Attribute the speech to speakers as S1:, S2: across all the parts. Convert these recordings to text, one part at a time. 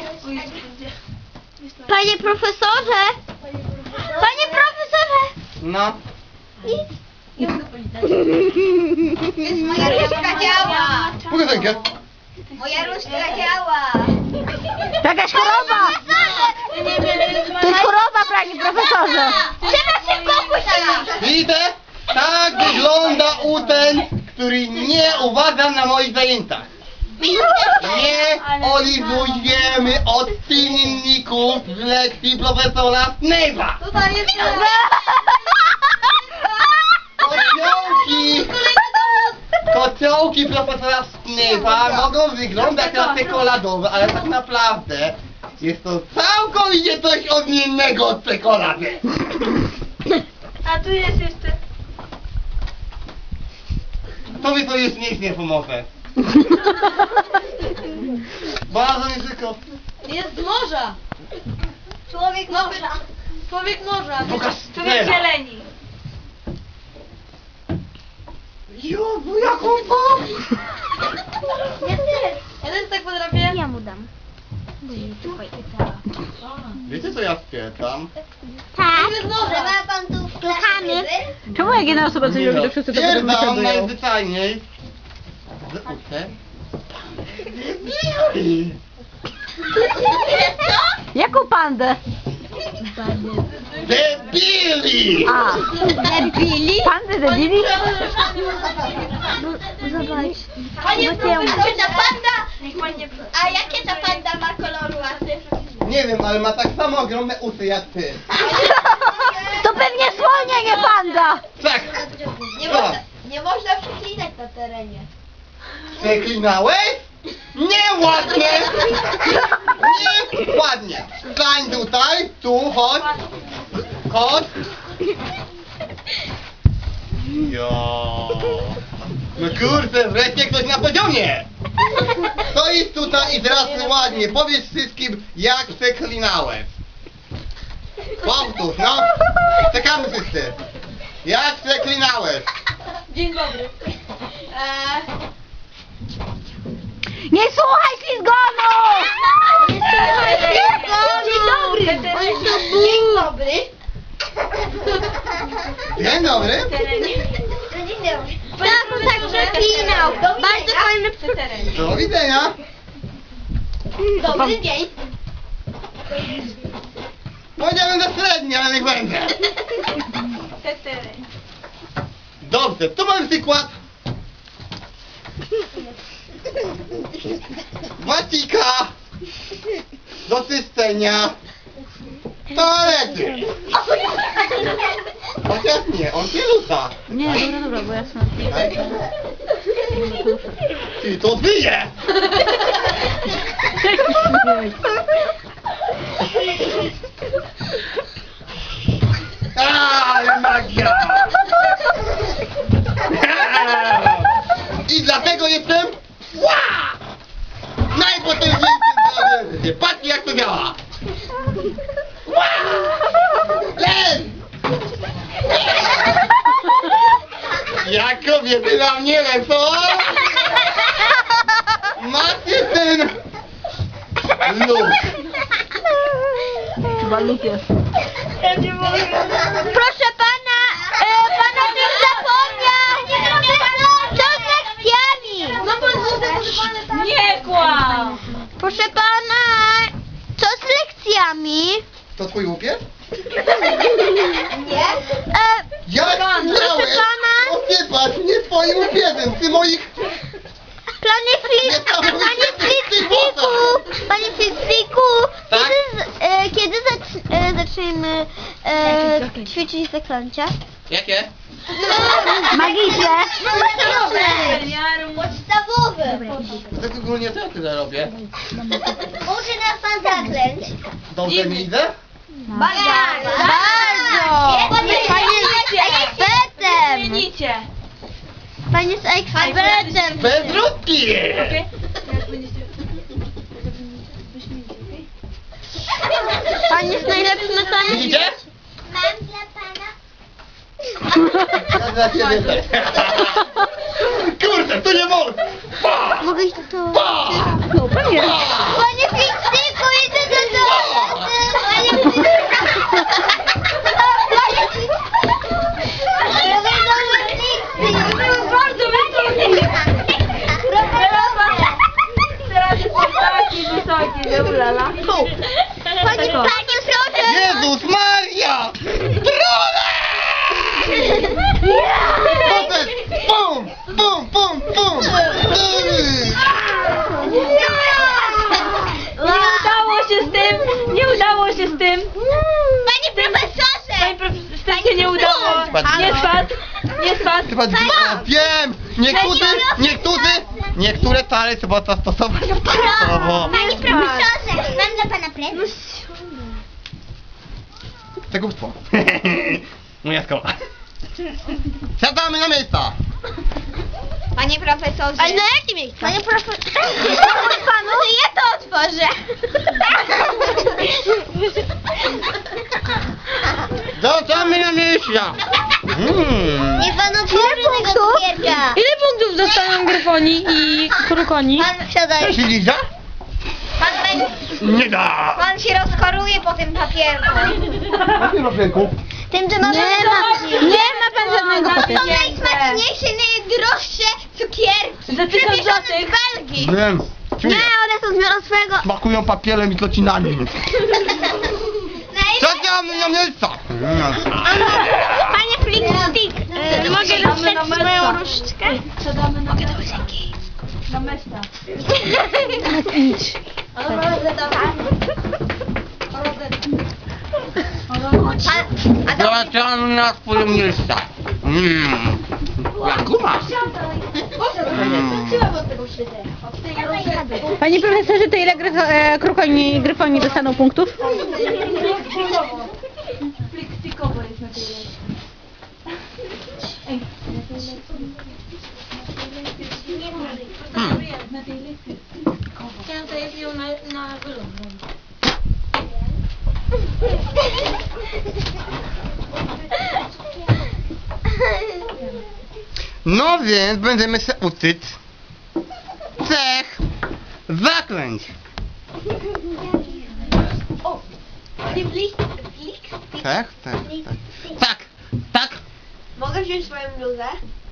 S1: Panie profesorze! Panie profesorze!
S2: No.
S3: Moja różdżka działa!
S2: Pokaż rękę.
S3: Moja różdżka działa!
S1: Jakaś choroba! To jest choroba, panie profesorze! Trzeba szybko opuścić!
S2: Widzę? Tak wygląda uczeń, który nie uważa na moich zajęciach. Nie olizujemy odczynników z lekcji profesora Snape'a.
S3: Tutaj jest...
S2: Kociołki profesora Snape'a mogą wyglądać na czekoladowe, ale tak naprawdę jest to całkowicie coś odmiennego od czekolady.
S3: A tu jest jeszcze...
S2: Tobie to już nic nie pomoże. Bardzo mi tylko...
S3: Jest z morza! Człowiek morza! Człowiek morza!
S2: Pokaż
S3: Człowiek
S2: teraz.
S3: zieleni!
S2: Jezu, jaką to?
S3: Ja też! Ja też tak potrafię.
S1: Ja mu dam.
S2: Wiecie co ja wpierdam?
S1: Tak.
S3: Jest z morza! Ma pan tu
S1: Słuchamy.
S4: Czemu jak jedna osoba coś robi, to wszyscy to potem
S2: Wpierdam
S4: wysiadują?
S2: najzwyczajniej z uczeń.
S4: Jaką pandę?
S2: Debili!
S4: A,
S1: Debili?
S4: pandę debili?
S1: Zobacz.
S3: Panie
S1: Bo ja
S3: profesorze, ta panda! A jakie ta panda ma koloru ładny?
S2: Nie wiem, ale ma tak samo ogromne uszy jak ty.
S1: To pewnie słonia, nie panda!
S2: Tak!
S3: Nie można przeklinać na terenie.
S2: Przeklinałeś? Nieładnie! Nieładnie! Stań tutaj, tu, chodź! Chodź! Jo. No kurde, wreszcie ktoś na poziomie! Stoisz tutaj i teraz ładnie, powiedz wszystkim, jak przeklinałeś. Powtórz, no! Czekamy wszyscy! Jak przeklinałeś?
S3: Dzień dobry.
S1: Nie słuchaj ślizgonu! Nie słuchaj ślizgonu!
S3: Dzień dobry. Dzień dobry.
S2: Dzień dobry!
S3: Dzień dobry.
S1: Tak, on tak przeklinał. Bardzo fajny
S3: terenie.
S2: Do widzenia!
S3: Dobry dzień.
S2: Powiedziałem na średnie, ale niech będzie.
S3: Terenie.
S2: Dobrze, tu mam przykład. Wacika do czyszczenia toalety. Chociaż nie, on się rzuca.
S4: Nie, dobra, bo jasne.
S2: Ty to wyje! Ale magia! I dlatego jestem najpotężniejszym złodziejstwie. Patrzcie jak to działa! Len! Jak kobiety na mnie lecą! Macie ten luk!
S4: Chyba luk jest.
S1: Proszę pana, pan o tym zapomniał! Co z lekcjami?
S3: No pan nie kłam.
S1: Proszę pana, co z lekcjami?
S2: To twój łuk jest?
S3: Nie?
S2: Ja chciałem
S1: proszę pana?
S2: osypać nie twoim łupieżem, ty moich...
S1: Panie Fitzwiku,
S2: Tak?
S1: kiedy zaczniemy ćwiczyć zaklęcia?
S2: Jakie?
S1: Magiczne.
S3: Podstawowe.
S2: Tak ogólnie co ja tyle robię?
S3: Uczy nas pan zaklęć.
S2: Dobrze mi idę?
S1: Bardzo. Pan jest ekspertem.
S3: Zmienicie.
S1: Pan jest ekspertem.
S2: Bez rutki!
S1: Pan jest najlepszy na całym
S2: Widzicie?
S3: Mam dla pana.
S2: Ja dla ciebie też. Kurde, to nie mogę! Pa!
S1: Mogę iść do toalety?
S2: Pa!
S4: No, pewnie.
S1: Panie Fitzwiku,
S4: Ulala.
S1: Panie proszę!
S2: Jezus Maria! Trole! Potem pum, pum, pum, pum!
S4: Nie udało się z tym! Nie udało się z tym!
S1: Panie profesorze!
S4: Panie profesorze, z tym się nie udało!
S2: Spadł.
S4: Nie spadł! Nie spadł!
S2: Chyba wiem! Niektóre tale trzeba zastosować prawo.
S1: Panie profesorze! Mam dla pana prezent.
S2: Przekupstwo. Moja szkoła. Siadamy na miejsca.
S1: Panie profesorze! Ale na jakie miejsce? Panie profesorze! Panu, ja to otworzę!
S2: Siadamy na miejsca.
S1: Nie pan otworzy tego cukierka!
S4: Ile punktów dostaną Gryfoni i Krukoni?
S1: Pan wsiadaj.
S2: Się liza?
S1: Pan,
S2: Nie da.
S1: pan się rozkoruje po tym papierku.
S2: Na tym papierku.
S1: Tym, że mamy...
S4: Nie ma pan żadnego
S1: To
S4: papieru.
S1: są najsmaczniejsze, najdroższe cukierki.
S4: Za 1000
S1: Przywiezone
S4: złotych.
S1: z Belgii.
S2: Wiem. Czuję.
S1: one są z miaroswego.
S2: Smakują papierem i klocinami. Siadamy na miejsca.
S1: Panie Flickstick, mogę dostać moją różdżkę?
S4: Mogę do łazienki. Do mesta.
S2: Wracamy na swoje miejsca. Jak guma.
S4: Panie profesorze, to ile Krukoni i Gryfoni dostaną punktów?
S1: Chciałam to jest ją na wylot.
S2: No więc będziemy się uczyć cech zaklęć.
S1: O! Flickstick.
S2: Tak. Tak, tak.
S1: Mogę wziąć swoją bluzę?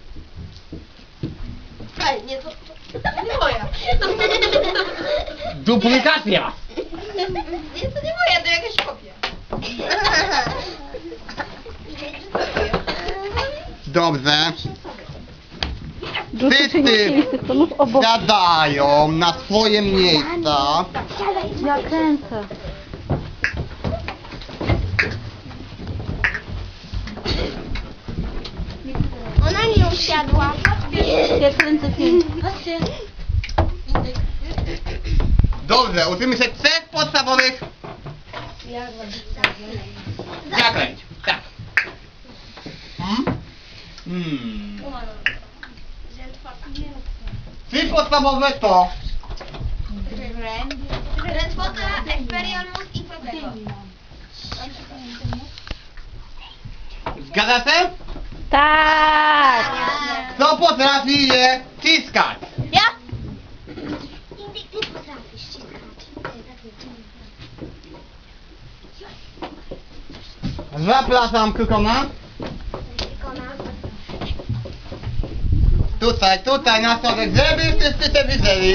S1: Ej, nie, to nie moja.
S2: Duplikacja.
S1: Nie, to nie moja, to jakaś kopia.
S2: Dobrze.
S4: Wszyscy
S2: Wszyscy
S4: z tych tonów obok.
S2: siadają na swoje miejsca.
S4: Ja kręcę.
S1: Ona nie usiadła.
S4: Ja kręcę film.
S2: Dobrze, uczymy się trzech podstawowych zaklęć. Tak. Trzy podstawowe to
S1: Drętwota, Expelliarmus i Protego.
S2: zgadza się?
S4: Tak!
S2: Kto potrafi je ciskać?
S1: Ja? Indyk, ty potrafisz ściskać.
S2: Zapraszam Krukona. Tutaj na środek, żeby wszyscy się widzieli.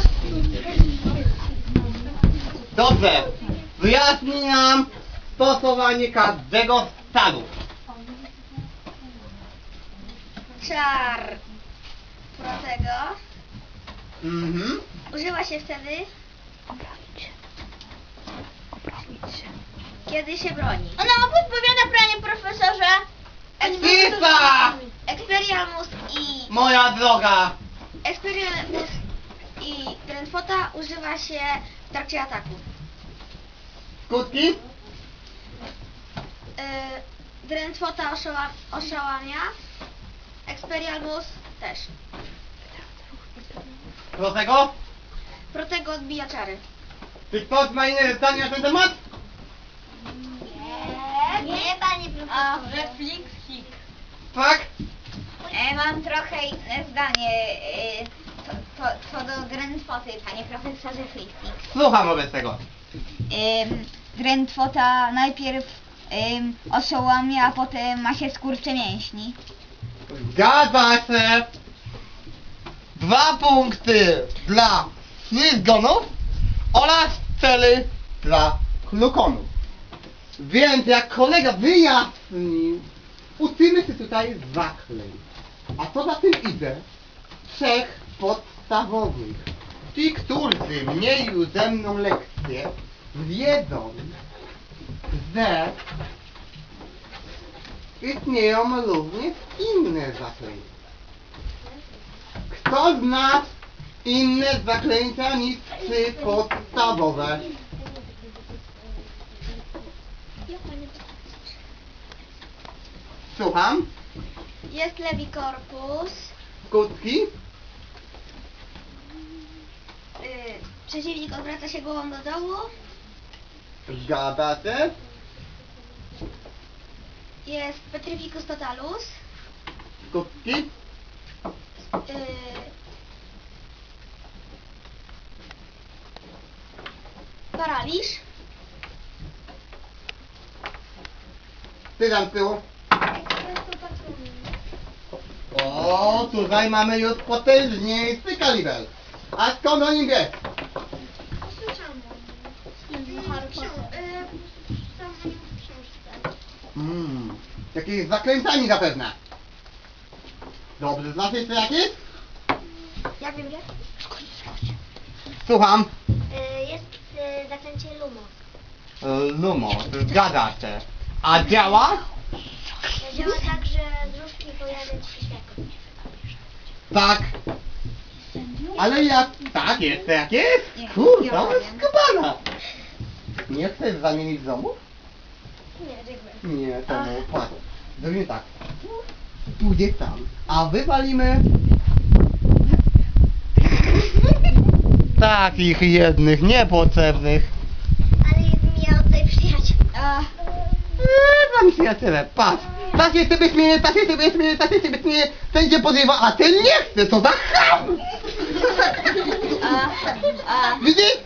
S2: Dobrze, wyjaśnij nam stosowanie każdego stanu.
S1: Czar Protego.
S2: Mhm.
S1: Używa się wtedy, kiedy się broni. Ona podpowiada, panie profesorze.
S2: Cisza!
S1: Expelliarmus i...
S2: Moja droga.
S1: Expelliarmus i Drętwota używa się w trakcie ataku.
S2: Skutki?
S1: Drętwota oszałamia. Expelliarmus też.
S2: Protego?
S1: Protego odbija czary.
S2: Czy ktoś ma inne zdanie na ten temat?
S1: Nie, panie profesorze.
S3: Flickstick.
S2: Tak?
S1: Mam trochę inne zdanie co do Drętwoty, panie profesorze Flickstick.
S2: Słucham wobec tego.
S1: Drętwota najpierw oszołamia, a potem ma się skurcze mięśni.
S2: Zgadza się. 2 punkty dla ślizgonów oraz cely dla glukonów. Więc jak kolega wyjaśnił, uczymy się tutaj zaklęć. A co za tym idzie? 3 podstawowych. Ci, którzy mieli już ze mną lekcję, wiedzą, że istnieją również inne zaklęcia. Kto zna inne zaklęcia niż 3 podstawowe? Słucham?
S1: Jest lewi korpus.
S2: Skutki?
S1: Przeciwnik odwraca się głową do dołu.
S2: Zgadza się?
S1: Jest Petrificus totalus.
S2: Skutki?
S1: Paraliż.
S2: Ty tam z tyłu. O, tutaj mamy już potężniejszy kaliber. A skąd o nim wiesz? Jakieś zaklętami zapewne. Dobrze, znasz jeszcze jakieś?
S1: Jak wiem, że?
S2: Słucham.
S1: Jest zaklęcie Lumo.
S2: Lumo, zgadza się. A działa?
S1: Działa tak, że z różki pojawia ci się światło.
S2: Tak. Ale jak... Tak jest, jak jest? Kurde, to jest skubana. Nie chcesz zamienić domów?
S1: Nie, dziękuję.
S2: Nie, to mu patrz. Zrobimy tak. Pójdzie tam, a wywalimy... Takich jednych, niepotrzebnych.
S1: Ale miał tutaj przyjaciół.
S2: Tam przyjaciele, patrz. Takie sobie śmieje, takie sobie śmieje, takie sobie śmieje. Ten cię podrywa, a ten nie chce, co za cham! Widzisz?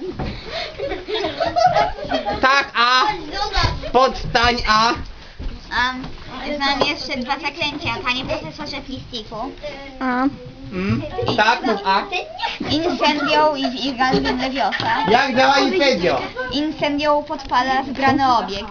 S2: Tak, a. Podstań, a.
S1: Znam jeszcze 2 zaklęcia, panie profesorze Plistiku.
S4: A.
S2: Tak, mów a.
S1: Incendio i Virgalium Leviosa.
S2: Jak działa incendio?
S1: Incendio podpala zgrany obiekt.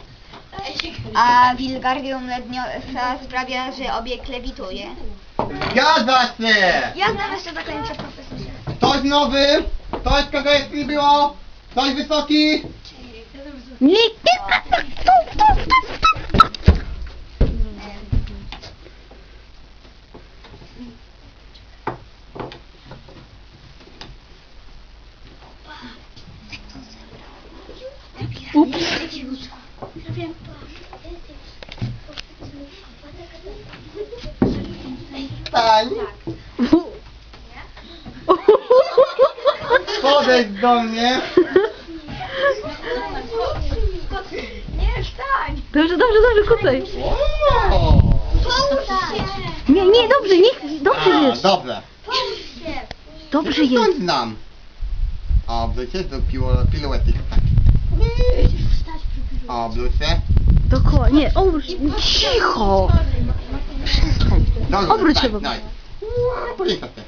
S1: A Wilgardium Leviosa sprawia, że obiekt lewituje.
S2: Zgadza się!
S1: Ja znam jeszcze zaklęcia profesorze.
S2: Ktoś nowy? Ktoś, kogo jeszcze nie było? Ktoś wysoki?
S4: Nie, Ups.
S2: Stań. Podejdź do mnie.
S4: Dobrze, dobrze, dobrze, kucaj.
S2: O.
S4: Nie, nie, dobrze, nie, dobrze
S2: A,
S4: jest.
S2: dobrze.
S4: Dobrze jest.
S2: Skąd znam? O, blucie do piluetik. O, blucie.
S4: Dookoła, nie, obróć, cicho. Przestań.
S2: Dobrze,
S4: Obróć się,
S2: tak,
S4: bo...
S2: daj. Policaj się.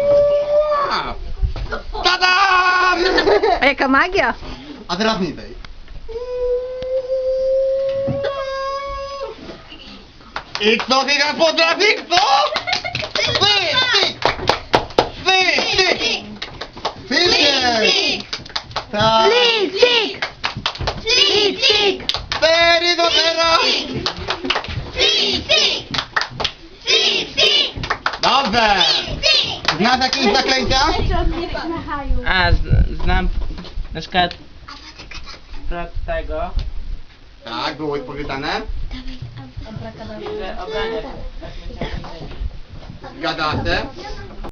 S2: Tadam!
S4: A jaka magia?
S2: A teraz niżej. I co ty potrafi, kto? Syk! Tak.
S4: Lisik! Lisik!
S2: 4 do 0! Dobrze! Znasz jakieś zaklęcia?
S5: A, znam na przykład tego,
S2: Tak, było już powiedziane.
S5: że obrania.
S2: Zgadza się.